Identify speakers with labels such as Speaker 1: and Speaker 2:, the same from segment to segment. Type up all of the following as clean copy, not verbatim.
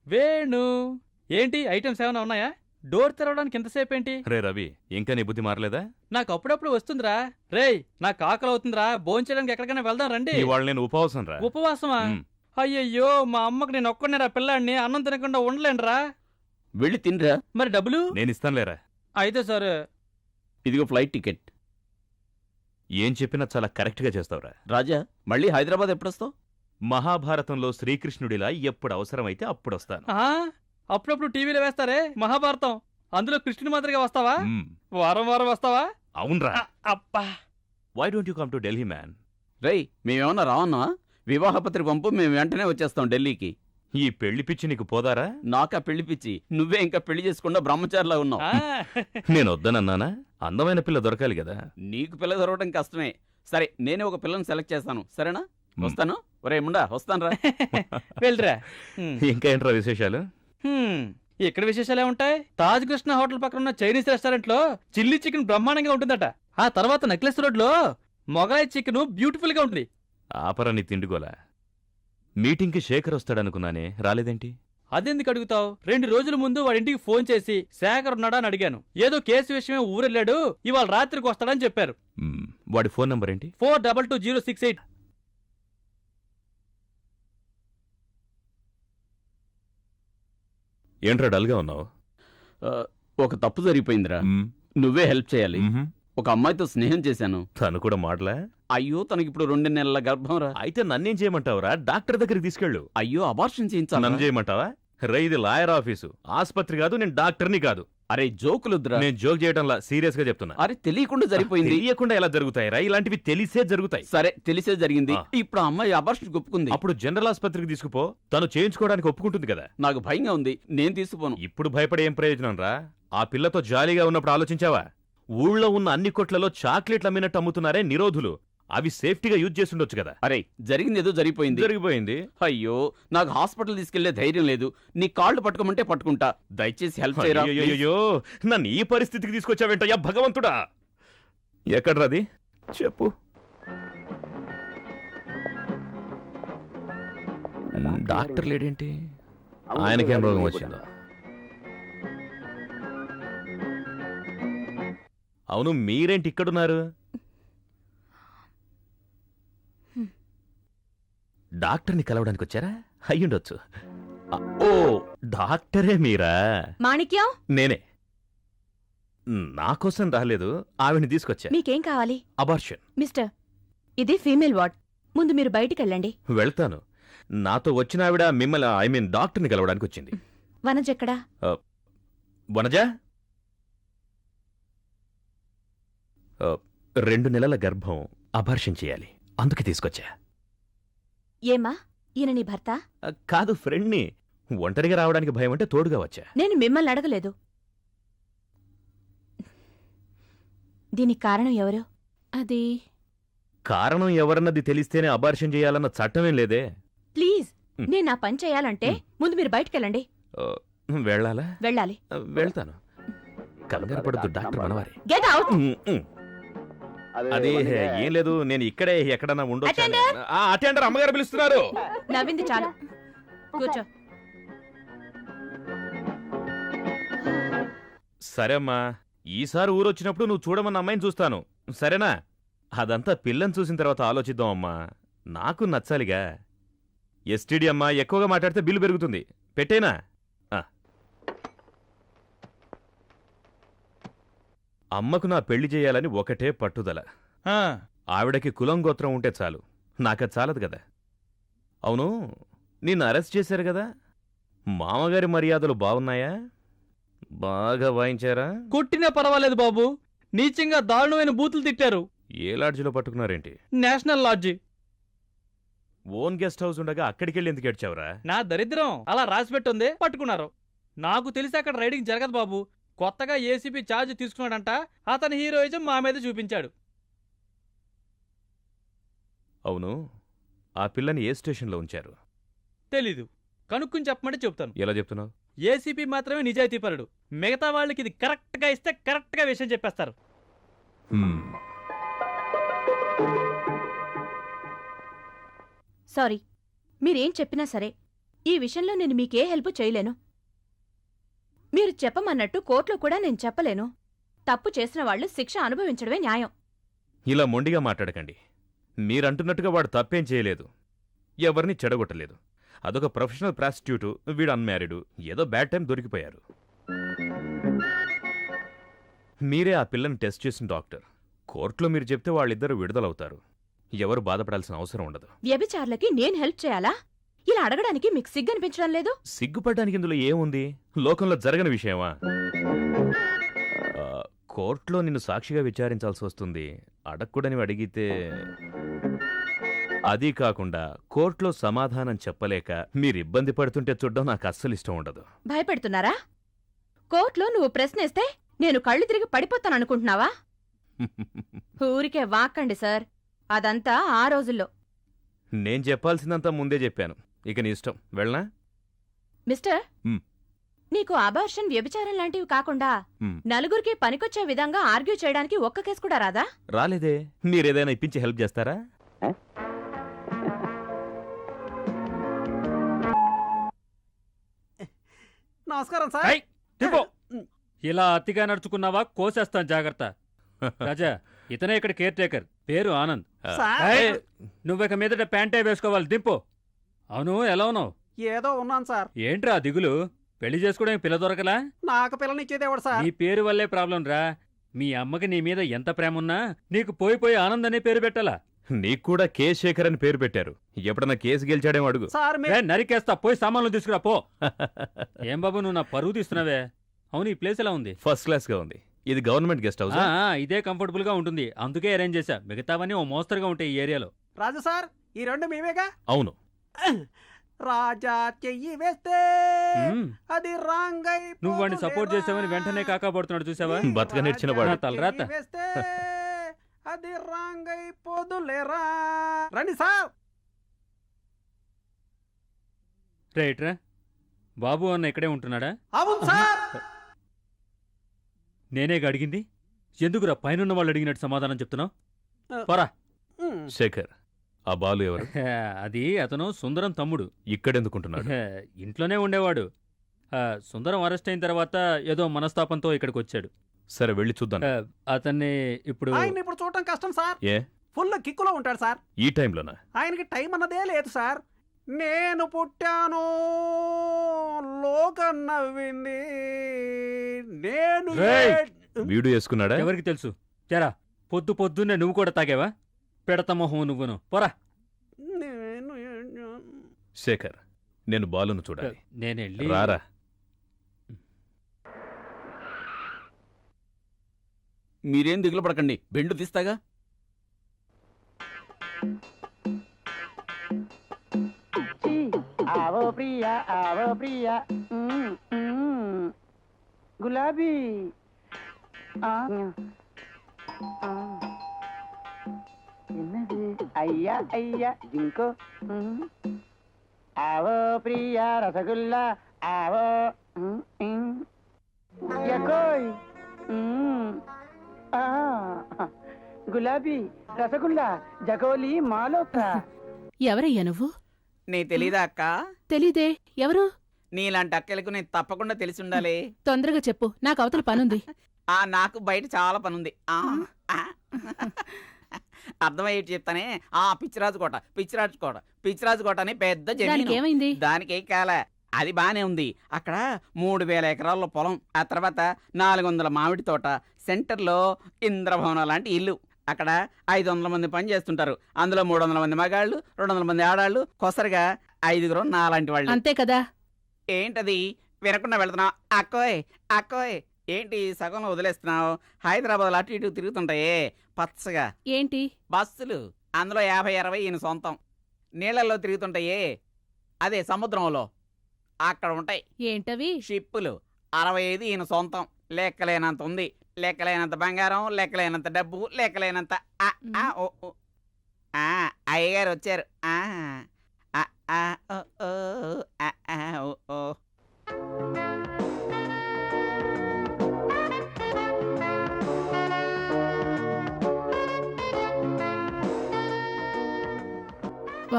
Speaker 1: వేణు ఏంటి ఐటమ్స్ ఏమైనా ఉన్నాయా? డోర్ తెరవడానికి ఎంతసేపు ఏంటి?
Speaker 2: రే రవి, ఇంకా నీ బుద్ధి మారలేదా?
Speaker 1: నాకు అప్పుడప్పుడు వస్తుందిరా. రేయ్, నాకు ఆకలి అవుతుందిరా, భోంచేయడానికి ఎక్కడికైనా వెళ్దాం రండి.
Speaker 2: ఇవాళ నేను ఉపవాసం రా.
Speaker 1: ఉపవాసమా? అయ్యయ్యో, మా అమ్మకి నేను ఒక్కనేరా పిల్లాడిని, అన్నం తినకుండా ఉండలేనురా.
Speaker 3: వెళ్ళి తినరా.
Speaker 1: మరి డబ్బులు?
Speaker 2: నేను ఇస్తానులేరా.
Speaker 1: అయితే సరే.
Speaker 3: ఇదిగో ఫ్లైట్ టికెట్.
Speaker 2: ఏం చెప్పినా చాలా కరెక్ట్ గా చేస్తావురా.
Speaker 3: రాజా, మళ్ళీ హైదరాబాద్ ఎప్పుడొస్తావు?
Speaker 2: మహాభారతంలో శ్రీకృష్ణుడిలా ఎప్పుడు అవసరమైతే అప్పుడు వస్తాను.
Speaker 1: అప్పుడప్పుడు టీవీలో వేస్తారే మహాభారతం, అందులో కృష్ణుని మాదిరిగా వస్తావా?
Speaker 2: మ్మ్.
Speaker 1: వారం వారం వస్తావా?
Speaker 2: అవునరా.
Speaker 1: అబ్బా,
Speaker 2: why don't you come to Delhi man?
Speaker 3: రేయ్, మేమేమన్నా రావన్నా? వివాహపత్రిక పంపు, మేము వెంటనే వచ్చేస్తాం ఢిల్లీకి.
Speaker 2: ఈ పెళ్లి పిచ్చి నీకు పోదారా?
Speaker 3: నాకా పెళ్లి పిచ్చి, నువ్వే ఇంకా పెళ్లి చేసుకుండా బ్రహ్మచారిలా ఉన్నావు.
Speaker 2: నేను వద్దనన్నానా? అందమైన పిల్ల దొరకాలి కదా.
Speaker 3: నీకు పిల్ల దొరకడం కష్టమే. సరే, నేనే ఒక పిల్లని సెలెక్ట్ చేస్తాను, సరేనా? వస్తాను. ఒరే ముండా, వస్తాను రా.
Speaker 1: వెళ్ళరా.
Speaker 2: ఇంకా ఏంట్రా విశేషాలు?
Speaker 1: ఇక్కడ విశేషాలే ఉంటాయి. తాజ్ కృష్ణ హోటల్ పక్కన ఉన్న చైనీస్ రెస్టారెంట్ లో చిల్లీ చికెన్ బ్రహ్మాండంగా ఉంటుందట. ఆ తర్వాత నెక్లెస్ రోడ్ లో మొగలాయి చికెన్ బ్యూటిఫుల్ గా ఉంటుంది.
Speaker 2: ఆపరా నీ తిండిగోలా. మీటింగ్కి శేఖర్ వస్తాడనుకున్నానే, రాలేదేంటి?
Speaker 1: అదెందుకు అడుగుతావు? 2 రోజుల ముందు వాడింటికి ఫోన్ చేసి శేఖర్ ఉన్నాడా అని అడిగాను. ఏదో కేసు విషయమే ఊరెళ్ళాడు, ఇవాళ రాత్రికి వస్తాడని చెప్పారు.
Speaker 2: వాడి ఫోన్ నంబర్ ఏంటి?
Speaker 1: 422068.
Speaker 2: ఏంట్రా డల్గా ఉన్నావు?
Speaker 3: ఒక తప్పు జరిగిపోయిందిరా, నువ్వే హెల్ప్ చేయాలి. ఒక అమ్మాయితో స్నేహం చేశాను.
Speaker 2: తను కూడా మాటలా?
Speaker 3: అయ్యో, తనకిప్పుడు 2 నెలల గర్భం రా.
Speaker 2: అయితే నన్నేం చేయమంటావురా? డాక్టర్ దగ్గరికి తీసుకెళ్ళు.
Speaker 3: అయ్యో, అబార్షన్ చేయించాలి.
Speaker 2: నన్ను చేయమంటావా? రే, ఇది లాయర్ ఆఫీసు, ఆస్పత్రి కాదు. నేను డాక్టర్ని కాదు.
Speaker 3: అరే జోకులుద్రా.
Speaker 2: నేను జోక్ చేయడంలా, సీరియస్ గా చెప్తున్నా.
Speaker 3: అరే తెలియకుండా జరిగిపోయింది.
Speaker 2: తెలియకుండా ఎలా జరుగుతాయిరా? ఇలాంటివి తెలిసే జరుగుతాయి.
Speaker 3: సరే, తెలిసే జరిగింది. ఇప్పుడు ఆ అమ్మాయి అబార్షన్ ఒప్పుకుంది.
Speaker 2: అప్పుడు జనరల్ ఆస్పత్రికి తీసుకుపో, తను చేయించుకోవడానికి ఒప్పుకుంటుంది కదా.
Speaker 3: నాకు భయంగా ఉంది, నేను తీసుకుపోను.
Speaker 2: ఇప్పుడు భయపడే ఏం ప్రయోజనం రా? ఆ పిల్లతో జాలీగా ఉన్నప్పుడు ఆలోచించావా? ఊళ్ళో ఉన్న అన్ని కొట్లలో చాక్లెట్లు అమ్మినట్టు అమ్ముతున్నారే నిరోధులు, అవి సేఫ్టీగా యూజ్ చేస్తుండొచ్చు కదా.
Speaker 3: అరే, జరిగింది ఏదో
Speaker 2: జరిగిపోయింది.
Speaker 3: అయ్యో, నాకు హాస్పిటల్ తీసుకెళ్లే ధైర్యం లేదు. నీ కాళ్ళు పట్టుకోమంటే పట్టుకుంటా. దయచేసి హెల్ప్ చేయరా.
Speaker 2: అయ్యో, నన్ను ఈ పరిస్థితికి తీసుకొచ్చావేంటయ్యా భగవంతుడా? ఎక్కడ్రాది చెప్పు. డాక్టర్ లేడేంటి? ఆయనకేం రోగం వచ్చిందో? అవును, మీరేంటి ఇక్కడున్నారు? డాక్టర్ని కలవడానికి వచ్చారా? అయ్యుండొచ్చు. ఓ, డాక్టరే మీరా?
Speaker 4: మాణిక్యం,
Speaker 2: నేనే. నా కోసం రాలేదు, ఆవిడ్ని తీసుకొచ్చా.
Speaker 4: మీకేం కావాలి?
Speaker 2: అబార్షన్.
Speaker 4: మిస్టర్, ఇది ఫీమేల్ వార్డ్. ముందు మీరు బయటికెళ్ళండి.
Speaker 2: వెళ్తాను. నాతో వచ్చిన ఆవిడ మిమ్మల్ని డాక్టర్ని కలవడానికి వచ్చింది.
Speaker 4: వనజెక్కడా?
Speaker 2: వనజా? 2 నెలల గర్భం, అబార్షన్ చేయాలి, అందుకే తీసుకొచ్చా.
Speaker 4: ఏమా, ఈయన నీ భర్త?
Speaker 2: కాదు, ఫ్రెండ్ని. ఒంటరిగా రావడానికి భయం అంటే తోడుగా వచ్చా.
Speaker 4: నేను మిమ్మల్ని అడగలేదు. దీనికి కారణం ఎవరు? అది
Speaker 2: కారణం ఎవరన్నది తెలిస్తేనే అబార్షన్ చేయాలన్న చట్టమేం లేదే.
Speaker 4: ప్లీజ్, నేను నా పని చేయాలంటే ముందు మీరు బయటికెళ్ళండి.
Speaker 2: వెళ్ళాలా?
Speaker 4: వెళ్ళాలి.
Speaker 2: వెళ్తాను. కంగారు పడద్దు, డాక్టర్ మనవారే.
Speaker 4: Get out.
Speaker 2: అది ఏం లేదు, నేను ఇక్కడే ఎక్కడన్నా ఉండొచ్చు.
Speaker 4: అటెండర్!
Speaker 2: అటెండర్ అమ్మగారు పిలుస్తున్నారు.
Speaker 4: నవ్వింది చాలు, కూర్చో.
Speaker 2: సరే అమ్మా, ఈసారి ఊరొచ్చినప్పుడు నువ్వు చూడమన్న అమ్మాయిని చూస్తాను, సరేనా? అదంతా పిల్లని చూసిన తర్వాత ఆలోచిద్దాం అమ్మా. నాకు నచ్చాలిగా. ఎస్టీడీ అమ్మా, ఎక్కువగా మాట్లాడితే బిల్లు పెరుగుతుంది. పెట్టేనా? అమ్మకు నా పెళ్లి చేయాలని ఒకటే పట్టుదల. ఆవిడకి కులం గోత్రం ఉంటే చాలు, నాకది చాలదు కదా. అవును, నిన్ను అరెస్ట్ చేశారు కదా, మామగారి మర్యాదలు బాగున్నాయా? బాగా వాయించారా?
Speaker 1: కొట్టినా పర్వాలేదు బాబు, నీచంగా దారుణమైన బూతులు తిట్టారు.
Speaker 2: ఏ లాడ్జిలో పట్టుకున్నారేంటి?
Speaker 1: National lodge.
Speaker 2: Own guest house ఉండగా అక్కడికెళ్ళి ఎందుకు ఏడ్చావురా?
Speaker 1: నా దరిద్రం అలా రాసిపెట్టుంది, పట్టుకున్నారు. నాకు తెలిసి అక్కడ రైడింగ్ జరగదు బాబు. కొత్తగా ఏసీపీ ఛార్జ్ తీసుకున్నాడంట, అతని హీరోయిజం మా మీద చూపించాడు.
Speaker 2: అవును, ఆ పిల్లని ఏ స్టేషన్లో ఉంచారు?
Speaker 1: తెలీదు, కనుక్కుని చెప్పమంటే చెప్తాను.
Speaker 2: ఎలా చెప్తున్నావు?
Speaker 1: ఏసీపీ మాత్రమే నిజాయితీపరుడు, మిగతా వాళ్ళకి ఇది కరెక్ట్గా ఇస్తే కరెక్ట్గా విషయం చెప్పేస్తారు.
Speaker 4: సారీ, మీరేం చెప్పినా సరే ఈ విషయంలో నేను మీకే హెల్ప్ చేయలేను. మీరు చెప్పమన్నట్టు కోర్టులో కూడా నేను చెప్పలేను. తప్పు చేసిన వాళ్ళు శిక్ష అనుభవించడమే న్యాయం.
Speaker 2: ఇలా మొండిగా మాట్లాడకండి. మీరంటున్నట్టుగా వాడు తప్పేం చేయలేదు, ఎవరిని చెడగొట్టలేదు. అదొక ప్రొఫెషనల్ ప్రాస్టిట్యూటు, వీడు అన్మ్యారీడు, ఏదో బ్యాడ్ టైం దొరికిపోయారు. మీరే ఆ పిల్లని టెస్ట్ చేసిన డాక్టర్. కోర్టులో మీరు చెప్తే వాళ్ళిద్దరూ విడుదలవుతారు. ఎవరు బాధపడాల్సిన అవసరం ఉండదు.
Speaker 4: వ్యభిచారులకి నేను హెల్ప్ చేయాలా? ఇలా అడగడానికి మీకు సిగ్గనిపించడం లేదు?
Speaker 2: సిగ్గుపడ్డానికి ఇందులో ఏముంది? లోకంలో జరగని విషయమా? కోర్టులో నిన్ను సాక్షిగా విచారించాల్సి వస్తుంది. అడగకూడని అడిగితే అదీ కాకుండా కోర్టులో సమాధానం చెప్పలేక మీరు ఇబ్బంది పడుతుంటే చూడడం నాకు అస్సలు ఇష్టం ఉండదు.
Speaker 4: భయపెడుతున్నారా? కోర్టులో నువ్వు ప్రశ్నేస్తే నేను కళ్ళు తిరిగి పడిపోతాననుకుంటున్నావా? ఊరికే వాక్కండి సార్. అదంతా ఆ రోజుల్లో.
Speaker 2: నేను చెప్పాల్సిందంతా ముందే చెప్పాను. ఇక నీ ఇష్టం. వెళ్ళనా?
Speaker 4: మిస్టర్,
Speaker 2: మ్.
Speaker 4: నీకు అబార్షన్, వ్యభిచారం లాంటివి కాకుండా
Speaker 2: మ్.
Speaker 4: నలుగురికి పనికొచ్చే విధంగా ఆర్గ్యూ చేయడానికి ఒక్క కేసు కూడా రాదా?
Speaker 2: రాలేదే. మీరేదైనా ఇప్పించి హెల్ప్ చేస్తారా?
Speaker 5: నమస్కారం సార్.
Speaker 1: ఏయ్, తిప్పో. ఇలా అతిగా నడుచుకున్నావా కోసేస్తాను, జాగ్రత్త. రాజా, ఇతనే ఇక్కడ కేర్ టేకర్, పేరు ఆనంద్.
Speaker 5: సార్
Speaker 1: ఏయ్, నువ్విక మీదట ప్యాంటే వేసుకోవాలి, దింపు. అవును, ఎలా ఉన్నావు?
Speaker 5: ఏదో ఉన్నాను సార్.
Speaker 1: ఏంట్రా దిగులు? పెళ్లి చేసుకోవడానికి పిల్ల దొరకలా?
Speaker 5: నాకు పిల్లనిచ్చేది ఎవడు సార్?
Speaker 1: నీ పేరు వల్లే ప్రాబ్లం రా. మీ అమ్మకి నీ మీద ఎంత ప్రేమ ఉన్నా నీకు పోయి ఆనంద్ అనే పేరు పెట్టాలా?
Speaker 2: నీకు కూడా కే శేఖర్ అని పేరు పెట్టారు. ఎప్పుడన్నా కేసు గెలిచాడేమో అడుగు.
Speaker 5: సార్
Speaker 1: ఏ, నరికేస్తా, పోయి సామాన్లు తీసుకురా పో. ఏం బాబు, నువ్వు నా పరువు తీస్తున్నావే. అవును, ఈ ప్లేస్ ఎలా ఉంది?
Speaker 2: ఫస్ట్ క్లాస్ గా ఉంది. ఇది గవర్నమెంట్ గెస్ట్ హౌస్.
Speaker 1: ఇదే కంఫర్టబుల్ గా ఉంటుంది, అందుకే అరేంజ్ చేశా. మిగతావన్నీ ఓ మోస్తరుగా ఉంటాయి ఈ ఏరియాలో.
Speaker 5: రాజు సార్, ఈ రెండు మేమేగా.
Speaker 2: అవును.
Speaker 5: రాజా చెయ్యి వేస్తే
Speaker 1: మ్మ్.
Speaker 5: అది రాంగై
Speaker 1: నువ్వు వాడిని సపోర్ట్ చేసావని వెంటనే కాకాపడుతున్నాడు, చూసావా?
Speaker 2: బతక నేర్చిన వాడు.
Speaker 1: నా తలరాత.
Speaker 5: వేస్తే అది రాంగై పోదులేరా. రండి సార్.
Speaker 1: రైట్ రా. బాబు అన్న ఇక్కడే ఉంటున్నాడా?
Speaker 5: అవును సార్.
Speaker 1: నేనే అడిగింది. ఎందుకురా పైనున్న వాళ్ళు అడిగినట్టు సమాధానం చెప్తున్నావు? పోరా.
Speaker 2: శేఖర్, ఆ బాలు ఎవరు?
Speaker 1: అది అతను సుందరం తమ్ముడు.
Speaker 2: ఇక్కడెందుకుంటున్నాడు?
Speaker 1: ఇంట్లోనే ఉండేవాడు. సుందరం అరెస్ట్ అయిన తర్వాత ఏదో మనస్తాపంతో ఇక్కడికి వచ్చాడు.
Speaker 2: సరే, వెళ్ళి చూద్దాం.
Speaker 1: అతన్ని ఇప్పుడు
Speaker 5: ఆయన ఇప్పుడు చూడటం కష్టం సార్.
Speaker 2: ఏ,
Speaker 5: ఫుల్ కిక్కులో ఉంటాడు సార్.
Speaker 2: ఈ టైంలోనా?
Speaker 5: ఆయనకి టైం అన్నదే లేదు సార్. నేను పుట్టాను, లోకం నవ్వింది, నేను
Speaker 1: రేయ్!
Speaker 2: వీడు వేసుకున్నాడా?
Speaker 1: ఎవరికి తెలుసు? జరా, పొద్దున్నే నువ్వు కూడా తాగేవా? పెడత మొహం నువ్వును. పోరా.
Speaker 5: నేను
Speaker 2: శేఖర్, నేను బాలును చూడాలి.
Speaker 1: నేనెళ్ళి
Speaker 2: రారా.
Speaker 3: మీరేం దిగులు పడకండి, బెండు తీస్తాగా.
Speaker 6: आवो प्रिया गुलाबी என்னது ஐயா ஐயா ஜிங்கோ आवो प्रिया रसगुल्ला आवो या कोई गुलाबी रसगुल्ला जगोली मालोत्रा
Speaker 4: ఎవరయ్యా నువ్వు?
Speaker 3: నీ తెలీదా అక్క?
Speaker 4: తెలీదే. ఎవరు?
Speaker 3: నీలాంటి అక్కలకు నేను తప్పకుండా తెలిసి ఉండాలి.
Speaker 4: తొందరగా చెప్పు, నాకు అవతల పనుంది.
Speaker 3: నాకు బయట చాలా పనుంది. అర్థమయ్యేటి చెప్తానే. పిచ్చిరాజు కోట అని పెద్ద జమీను.
Speaker 4: ఏమైంది?
Speaker 3: దానికి కాలే, అది బానే ఉంది. అక్కడ 3000 ఎకరాల్లో పొలం, ఆ తర్వాత 400 మామిడి తోట, సెంటర్లో ఇంద్రభవనం లాంటి ఇల్లు. అక్కడ 500 మంది పని చేస్తుంటారు. అందులో 300 మంది మగాళ్ళు, 200 మంది ఆడాళ్ళు, కొసరిగా 5 నాలాంటి వాళ్ళు.
Speaker 4: అంతే కదా.
Speaker 3: ఏంటది వినకుండా వెళ్తున్నావు? అక్కోయ్ ఏంటి సగంలో వదిలేస్తున్నావు? హైదరాబాద్ అటు ఇటు తిరుగుతుంటాయే పచ్చగా
Speaker 4: ఏంటి?
Speaker 3: బస్సులు, అందులో 50-60 ఈయన సొంతం. నీళ్లలో తిరుగుతుంటాయే, అదే సముద్రంలో, అక్కడ ఉంటాయి.
Speaker 4: ఏంటవి?
Speaker 3: షిప్పులు, 65 ఈయన సొంతం. లెక్కలేనంత ఉంది, లెక్కలేనంత బంగారం, లెక్కలేనంత డబ్బు, లెక్కలేనంత అయ్యగారు వచ్చారు.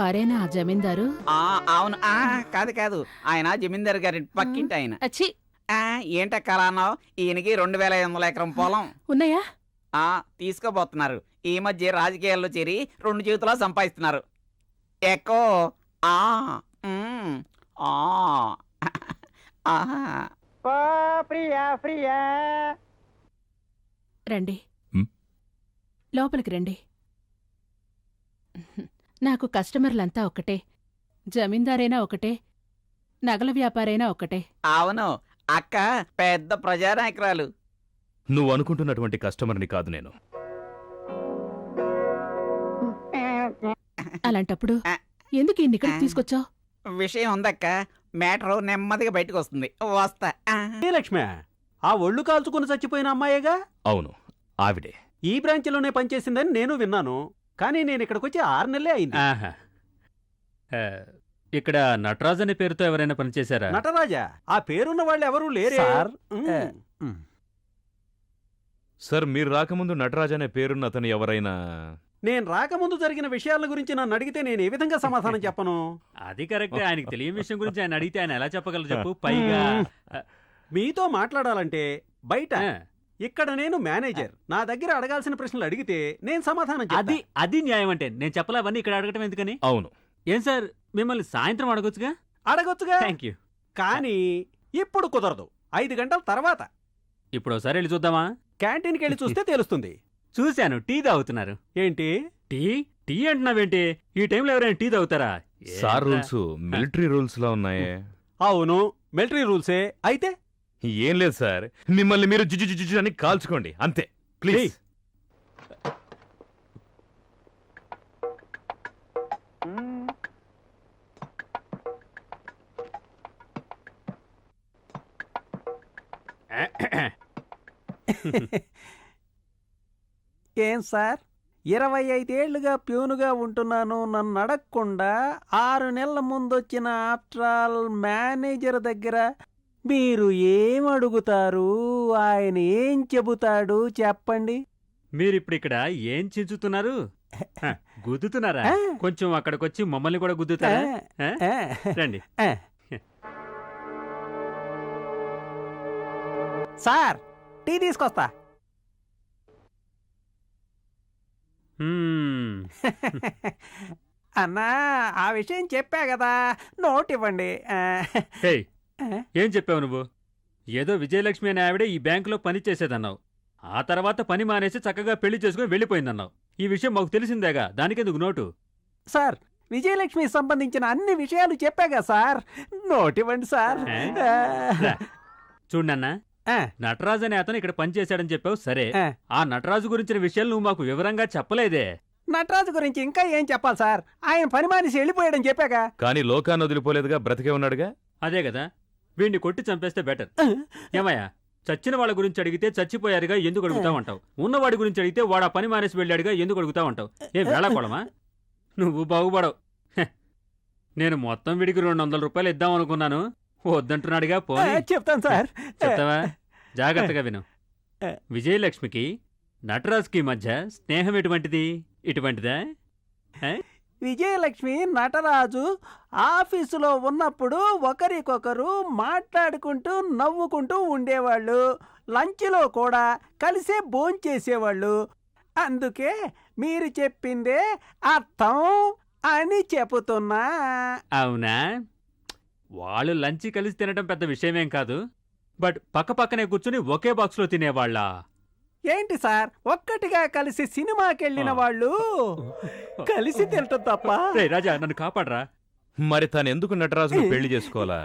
Speaker 7: వారేనా ఆ జమీందారు?
Speaker 3: అవును. కాదు కాదు, ఆయన జమీందారు గారి పక్కింటి ఆయన.
Speaker 7: అచ్చి,
Speaker 3: ఏంటక్క అలా అన్నావు? ఈయనకి 2500 ఎకరం పొలం.
Speaker 7: ఉన్నాయా?
Speaker 3: తీసుకోబోతున్నారు. ఈ మధ్య రాజకీయాల్లో చేరి 2 జీవితాలు సంపాదిస్తున్నారు. ఎక్కో
Speaker 6: ఓ ప్రియా ప్రియా
Speaker 7: రండి,
Speaker 2: ఉమ్.
Speaker 7: లోపలికి రండి. నాకు కస్టమర్లంతా ఒక్కటే, జమీందారైనా ఒకటే, నగల వ్యాపారైనా ఒకటే.
Speaker 3: అవును, అక్క పెద్ద ప్రజానాయకురాలు.
Speaker 2: నువ్వు అనుకుంటున్నటువంటి కస్టమర్ని కాదు నేను.
Speaker 7: అలాంటప్పుడు ఎందుకు ఇన్ని ఇక్కడికి తీసుకొచ్చావు?
Speaker 3: విషయం ఉందక్క, మ్యాటర్ నెమ్మదిగా బయటకు వస్తుంది. వస్తా.
Speaker 5: లక్ష్మి, ఆ ఒళ్ళు కాల్చుకుని చచ్చిపోయిన అమ్మాయేగా?
Speaker 2: అవును, ఆవిడే.
Speaker 5: ఈ బ్రాంచ్లోనే పనిచేసిందని నేను విన్నాను. కానీ నేను ఇక్కడికి వచ్చి 6 నెలలే అయింది.
Speaker 1: ఆహా. ఆ, ఇక్కడ నటరాజ్ అనే పేరుతో ఎవరైనా పనిచేశారా?
Speaker 5: నటరాజా? ఆ పేరున్న వాళ్ళు ఎవరూ లేరే
Speaker 6: సార్,
Speaker 2: సార్, మీరు రాకముందు నటరాజ్ అనే పేరున్న అతను ఎవరైనా?
Speaker 5: నేను రాకముందు జరిగిన విషయాల గురించి నన్ను అడిగితే నేను ఏ విధంగా సమాధానం చెప్పను?
Speaker 1: అది కరెక్ట్. ఆయనకి తెలియని విషయం గురించి ఆయన అడిగితే ఆయన ఎలా చెప్పగలరు చెప్పు? పైగా
Speaker 5: మీతో మాట్లాడాలంటే బయట,
Speaker 1: ఆ,
Speaker 5: ఇక్కడ నేను మేనేజర్. నా దగ్గర అడగాల్సిన ప్రశ్నలు అడిగితే నేను సమాధానం చెప్తా.
Speaker 1: అది న్యాయం అంటే. నేను చెప్పలే అవన్నీ ఇక్కడ అడగటం ఎందుకని?
Speaker 2: అవును.
Speaker 1: ఏం సార్, మిమ్మల్ని సాయంత్రం అడగొచ్చుగా?
Speaker 5: అడగొచ్చుగా,
Speaker 1: థ్యాంక్ యూ.
Speaker 5: కానీ ఇప్పుడు కుదరదు. 5 గంటల తర్వాత
Speaker 1: ఇప్పుడు ఒకసారి వెళ్ళి చూద్దామా?
Speaker 5: క్యాంటీన్కి వెళ్ళి చూస్తే తెలుస్తుంది.
Speaker 1: చూశాను, టీ తాగుతున్నారు.
Speaker 5: ఏంటి?
Speaker 1: టీ అంటున్నావేంటి? ఈ టైంలో ఎవరైనా టీ తాగుతారా?
Speaker 2: సార్ రూల్స్ మిలిటరీ రూల్స్ లా ఉన్నాయే.
Speaker 5: అవును, మిలిటరీ రూల్సే. అయితే
Speaker 2: ఏం లేదు సార్, మిమ్మల్ని మీరు జుజు అని కాల్చుకోండి అంతే, ప్లీజ్.
Speaker 5: ఏం సార్, 25 ఏళ్లుగా ప్యూనుగా ఉంటున్నాను. నన్ను అడగకుండా 6 నెలల ముందొచ్చిన ఆఫ్టర్ ఆల్ మేనేజర్ దగ్గర మీరు ఏం అడుగుతారు? ఆయన ఏం చెబుతాడు చెప్పండి.
Speaker 1: మీరిప్పుడు ఇక్కడ ఏం చించుతున్నారు? హ, గుద్దుతున్నారా?
Speaker 5: ఆ.
Speaker 1: కొంచెం అక్కడికొచ్చి మమ్మల్ని కూడా గుద్దుతారా? ఆ?
Speaker 5: ఆ,
Speaker 1: రండి.
Speaker 5: ఆ. సార్, టీ తీసుకొస్తా.
Speaker 1: మ్మ్.
Speaker 5: అన్నా, ఆ విషయం చెప్పా కదా, నోట్ ఇవ్వండి.
Speaker 1: హేయ్, ఏం చెప్పావు నువ్వు? ఏదో విజయలక్ష్మి అనే ఆవిడే ఈ బ్యాంకులో పని చేసేదన్నావు. ఆ తర్వాత పని మానేసి చక్కగా పెళ్లి చేసుకుని వెళ్ళిపోయిందన్నావు. ఈ విషయం మాకు తెలిసిందేగా, దానికెందుకు నోటు?
Speaker 5: సార్, విజయలక్ష్మికి సంబంధించిన అన్ని విషయాలు చెప్పాగా సార్, నోట్ ఇవ్వండి సార్.
Speaker 1: రా. చూడన్నా,
Speaker 5: ఆ,
Speaker 1: నటరాజు అనే అతను ఇక్కడ పనిచేశాడని చెప్పావు సరే,
Speaker 5: ఆ.
Speaker 1: ఆ నటరాజు గురించిన విషయాలు నువ్వు మాకు వివరంగా చెప్పలేదే.
Speaker 5: నటరాజు గురించి ఇంకా ఏం చెప్పాలి సార్? ఆయన పని మానేసి వెళ్ళిపోయాడని చెప్పాగా.
Speaker 2: కానీ లోకాన్ని వదిలిపోలేదుగా, బ్రతికే ఉన్నాడుగా.
Speaker 1: అదే కదా, వీడిని కొట్టి చంపేస్తే బెటర్. ఏమయ్యా, చచ్చిన వాళ్ళ గురించి అడిగితే చచ్చిపోయారుగా ఎందుకు అడుగుతావంటావు? ఉన్నవాడి గురించి అడిగితే వాడు ఆ పని మానేసి వెళ్ళాడుగా ఎందుకు అడుగుతావంటావు? ఏం వేళాకోళమా? నువ్వు బాగుపడవు. హె, నేను మొత్తం వీడికి 200 రూపాయలు ఇద్దామనుకున్నాను, వద్దంటున్నాడుగా. పోనీ
Speaker 5: చెప్తాను సార్.
Speaker 1: చెప్తావా? జాగ్రత్తగా విను. విజయలక్ష్మికి నటరాజ్కి మధ్య స్నేహం ఎటువంటిది? ఇటువంటిదా?
Speaker 5: విజయలక్ష్మి నటరాజు ఆఫీసులో ఉన్నప్పుడు ఒకరికొకరు మాట్లాడుకుంటూ నవ్వుకుంటూ ఉండేవాళ్ళు. లంచ్లో కూడా కలిసే భోంచేసేవాళ్ళు. అందుకే మీరు చెప్పిందే అర్థం అని చెబుతున్నా.
Speaker 1: అవునా? వాళ్ళు లంచ్ కలిసి తినడం పెద్ద విషయమేం కాదు, బట్ పక్కపక్కనే కూర్చుని ఒకే బాక్స్లో తినేవాళ్ళా?
Speaker 5: ఏంటి సార్, ఒక్కటిగా కలిసి సినిమాకెళ్ళిన వాళ్ళు కలిసి తినటం తప్ప?
Speaker 1: రేయ్ రాజా, నన్ను కాపాడరా.
Speaker 2: మరి తనెందుకు నటరాజును పెళ్లి చేసుకోవాలా?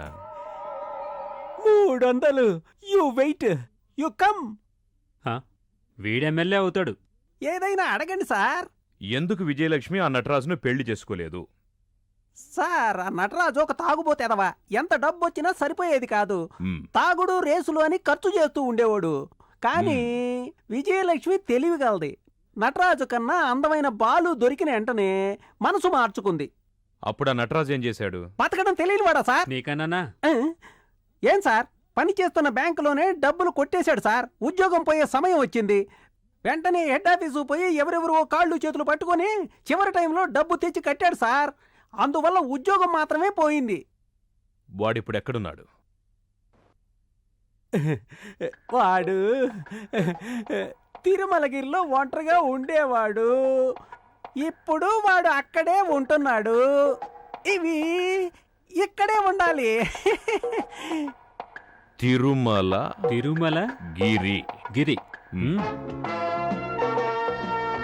Speaker 5: 300. You wait, you come.
Speaker 1: వీడెమ్మెల్యే అవుతాడు.
Speaker 5: ఏదైనా అడగండి సార్.
Speaker 2: ఎందుకు విజయలక్ష్మి ఆ నటరాజును పెళ్లి చేసుకోలేదు?
Speaker 5: సార్, ఆ నటరాజు ఒక తాగుబోతేదవా. ఎంత డబ్బు వచ్చినా సరిపోయేది కాదు.
Speaker 2: మ్,
Speaker 5: తాగుడు రేసులు అని ఖర్చు చేస్తూ ఉండేవాడు. కానీ విజయలక్ష్మి తెలివిగలది. నటరాజు కన్నా అందమైన బాలు దొరికిన వెంటనే మనసు మార్చుకుంది.
Speaker 2: అప్పుడు ఆ నటరాజు ఏం చేశాడు?
Speaker 5: బతకడం తెలియనివాడా సార్?
Speaker 1: నీకన్నానా?
Speaker 5: ఆ? ఏం సార్, పని చేస్తున్న బ్యాంకులోనే డబ్బులు కొట్టేశాడు సార్. ఉద్యోగం పోయే సమయం వచ్చింది. వెంటనే హెడ్ ఆఫీసు పోయి ఎవరెవరో కాళ్ళు చేతులు పట్టుకొని చివరి టైంలో డబ్బు తెచ్చి కట్టాడు సార్. అందువల్ల ఉద్యోగం మాత్రమే పోయింది.
Speaker 2: వాడిప్పుడు ఎక్కడున్నాడు?
Speaker 5: వాడు తిరుమలగిరిలో ఒంటరిగా ఉండేవాడు. ఇప్పుడు వాడు అక్కడే ఉంటున్నాడు. ఇవి ఇక్కడే ఉండాలి.
Speaker 2: తిరుమల
Speaker 1: తిరుమల
Speaker 2: గిరి.
Speaker 1: గిరి
Speaker 2: మ్.
Speaker 1: ఉమ్.